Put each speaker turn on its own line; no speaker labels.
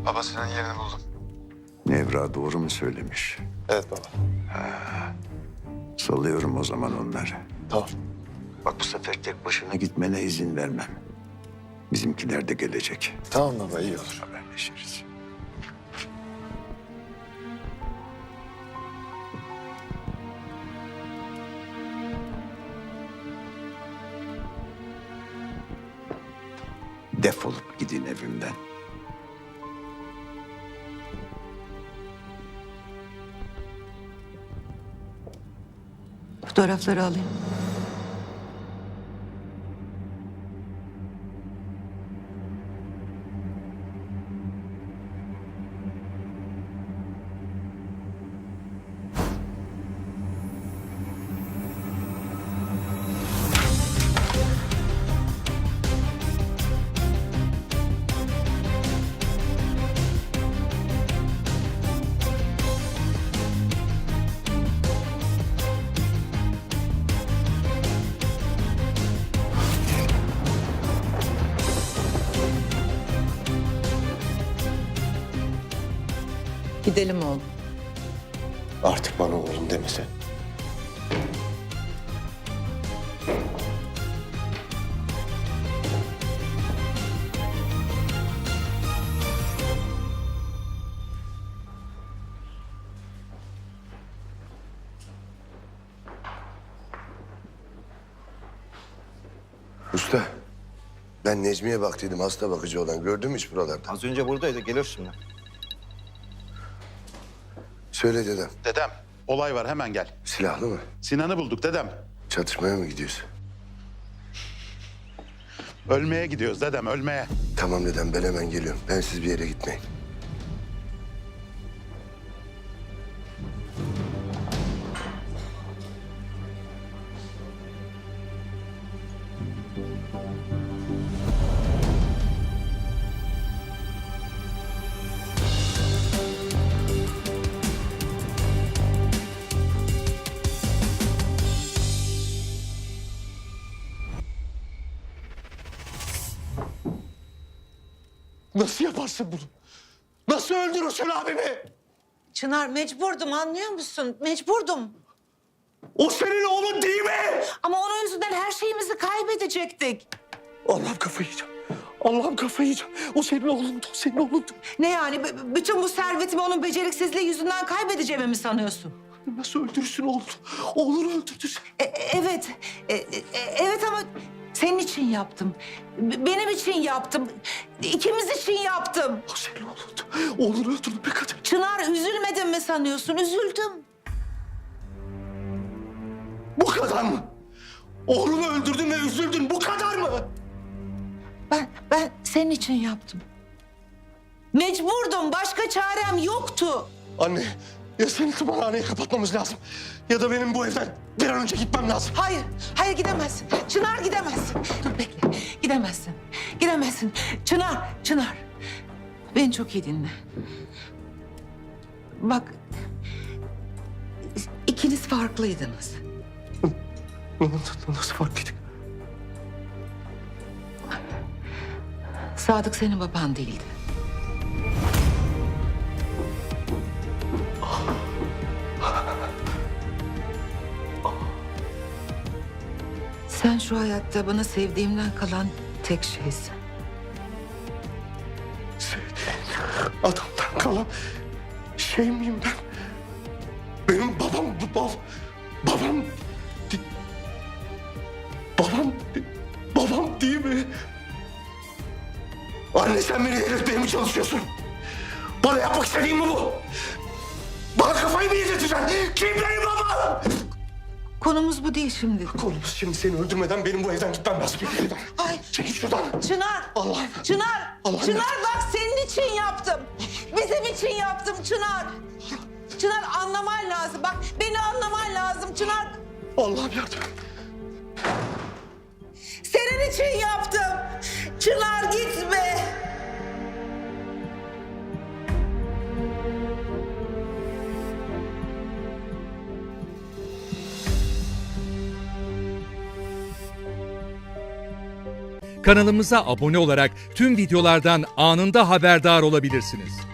Baba senin yerini buldum.
Nevra doğru mu söylemiş?
Evet baba.
Salıyorum o zaman onları.
Tamam.
Bak bu sefer tek başına gitmene izin vermem. Bizimkiler de gelecek.
Tamam baba iyi olur.
Haberleşiriz. Defolup gidin evimden.
Fotoğrafları alayım. Gidelim oğlum.
Artık bana oğlum demese. Usta, ben Necmi'ye baktıydım, hasta bakıcı olan. Gördün mü hiç buralarda?
Az önce buradaydı, gelir şimdi.
Söyle dedem,
Dedem, olay var hemen gel.
silahlı mı?
Sinan'ı bulduk dedem.
Çatışmaya mı gidiyorsun?
Ölmeye gidiyoruz dedem, ölmeye.
Tamam dedem, ben hemen geliyorum. Ben siz bir yere gitmeyin.
Nasıl yaparsın bunu? Nasıl öldürürsün abimi?
Çınar mecburdum anlıyor musun? Mecburdum.
O senin oğlun değil mi?
Ama onun yüzünden her şeyimizi kaybedecektik.
Allah'ım kafayı yiyeceğim. Allah'ım kafayı yiyeceğim. O senin oğlundu, o senin oğlundu.
Ne yani bütün bu servetimi onun beceriksizliği yüzünden kaybedeceğimi mi sanıyorsun?
Nasıl öldürürsün oğlunu? Oğlunu öldürdün sen.
Evet. Evet ama senin için yaptım. Benim için yaptım. İkimiz için yaptım.
O senin oğlundu. Oğlunu öldürdün be kadın.
Çınar üzülmedim mi sanıyorsun? Üzüldüm.
Bu kadar mı? Oğlunu öldürdün ve üzüldün. Bu kadar mı?
Ben senin için yaptım. Mecburdum. Başka çarem yoktu.
Anne, ya seni tımarhaneye kapatmamız lazım. Ya da benim bu evden bir an önce gitmem lazım.
Hayır gidemezsin. Çınar gidemezsin. Dur bekle. Gidemezsin. Gidemezsin. Çınar. Beni çok iyi dinle. Bak, ikiniz farklıydınız.
Nasıl farklıydık?
Sadık senin baban değildi. Sen şu hayatta bana sevdiğimden kalan tek şeysin.
Adamdan kalan şey miyim ben? Benim babam, babam, babam değil mi? Anne sen beni delirtmeye mi çalışıyorsun? Bana yapmak istediğin mi bu? Bana kafayı mı yedirteceksin? Kim benim babam?
Konumuz bu değil şimdi.
Konumuz şimdi seni öldürmeden benim bu evden gitmem lazım.
Ay.
Çekil şuradan.
Çınar!
Allah'ım.
Çınar!
Allah'ım.
Çınar bak senin için yaptım. Bizim için yaptım Çınar. Çınar anlaman lazım. Bak beni anlaman lazım Çınar.
Allah'ım yardım.
Senin için yaptım. Çınar gitme.
kanalımıza abone olarak tüm videolardan anında haberdar olabilirsiniz.